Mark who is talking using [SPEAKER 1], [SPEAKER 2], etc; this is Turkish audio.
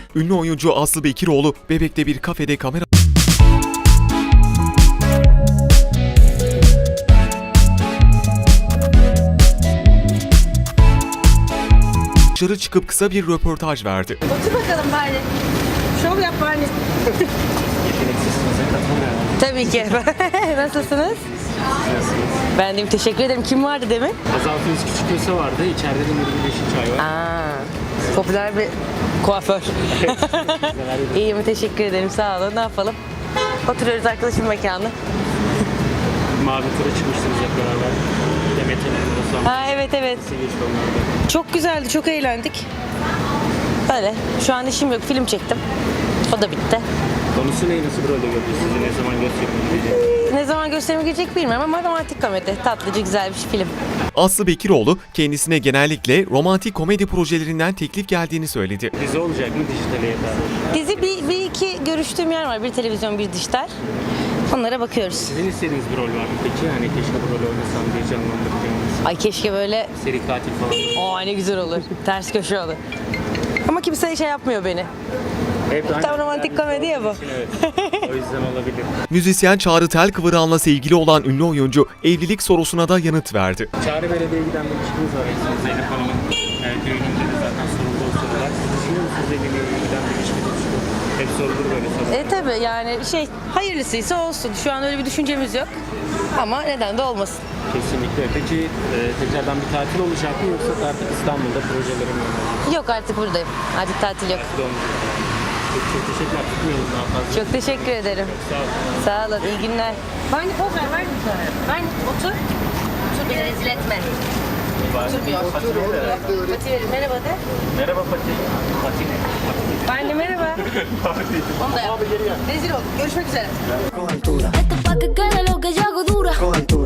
[SPEAKER 1] Ünlü oyuncu Aslı Bekiroğlu, Bebek'te bir kafede kamera dışarı çıkıp kısa bir röportaj verdi.
[SPEAKER 2] Otur bakalım bari. Şov yap bari. Tabii ki. Nasılsınız? Ben de teşekkür ederim. Kim vardı demin?
[SPEAKER 3] Azaltınız Küçük Köse vardı. İçeride de Nuri Yeşilçay var.
[SPEAKER 2] Popüler bir kuaför. İyiyim, teşekkür ederim. Sağ olun. Ne yapalım? Oturuyoruz arkadaşım mekanı.
[SPEAKER 3] Mavi tura çıkmıştınız hep beraber. Demet Hanım'la
[SPEAKER 2] Evet.
[SPEAKER 3] Nasıl geçti onlarda?
[SPEAKER 2] Çok güzeldi. Çok eğlendik. Böyle. Şu an işim yok. Film çektim. O da bitti.
[SPEAKER 3] Konusu ne? Nasıl bir rolde gördünüz sizi? Ne zaman gösterimi
[SPEAKER 2] Ne zaman gösterime girecek bilmiyorum ama romantik komedi. Tatlıcı güzel bir film.
[SPEAKER 1] Aslı Bekiroğlu, kendisine genellikle romantik komedi projelerinden teklif geldiğini söyledi.
[SPEAKER 3] Dizi olacak mı? Dijitale yeter.
[SPEAKER 2] Dizi bir iki görüştüğüm yer var. Bir televizyon, bir dijital. Onlara bakıyoruz.
[SPEAKER 3] Sizin istediğiniz bir rol var mı peki? Hani keşke bu rolü oynasam diye canlandırdığınız.
[SPEAKER 2] Ay keşke böyle,
[SPEAKER 3] Seri katil falan.
[SPEAKER 2] ne güzel olur. Ters köşe olur. Ama kimse şey yapmıyor beni. Tam romantik komedi ya bu.
[SPEAKER 3] Evet. O yüzden olabilir.
[SPEAKER 1] Müzisyen Çağrı Telkıvıran'la sevgili olan ünlü oyuncu, evlilik sorusuna da yanıt verdi.
[SPEAKER 3] Çağrı Belediye'ye giden bir ilişkiniz var. Zeynep Hanım'ın düğününde de zaten soruldu o sorular. Siz düşünüyor musunuz evliliğe giden bir ilişkiniz? Hep sorulur böyle sorular.
[SPEAKER 2] Tabii yani hayırlısıysa olsun. Şu an öyle bir düşüncemiz yok. Ama neden de olmasın.
[SPEAKER 3] Kesinlikle. Peki tekrardan bir tatil olacak mı yoksa artık İstanbul'da projelerim mi olacak?
[SPEAKER 2] Yok, artık buradayım. Artık tatil yok.
[SPEAKER 3] Çok teşekkürler. Tutmayalım daha fazla.
[SPEAKER 2] Çok teşekkür ederim.
[SPEAKER 3] Sağ olun.
[SPEAKER 2] Sağ olun. İyi günler. Bani poz ver. Ver mi sana? Ver. Otur. Otur, beni rezil etme. Oturmuyor. Pati verin. Merhaba de.
[SPEAKER 3] Merhaba Fatih. Fatih ne?
[SPEAKER 2] Bani merhaba. Onu da yap. Rezil ol. Görüşmek üzere.
[SPEAKER 4] Esto pa' que quede lo que yo hago dura.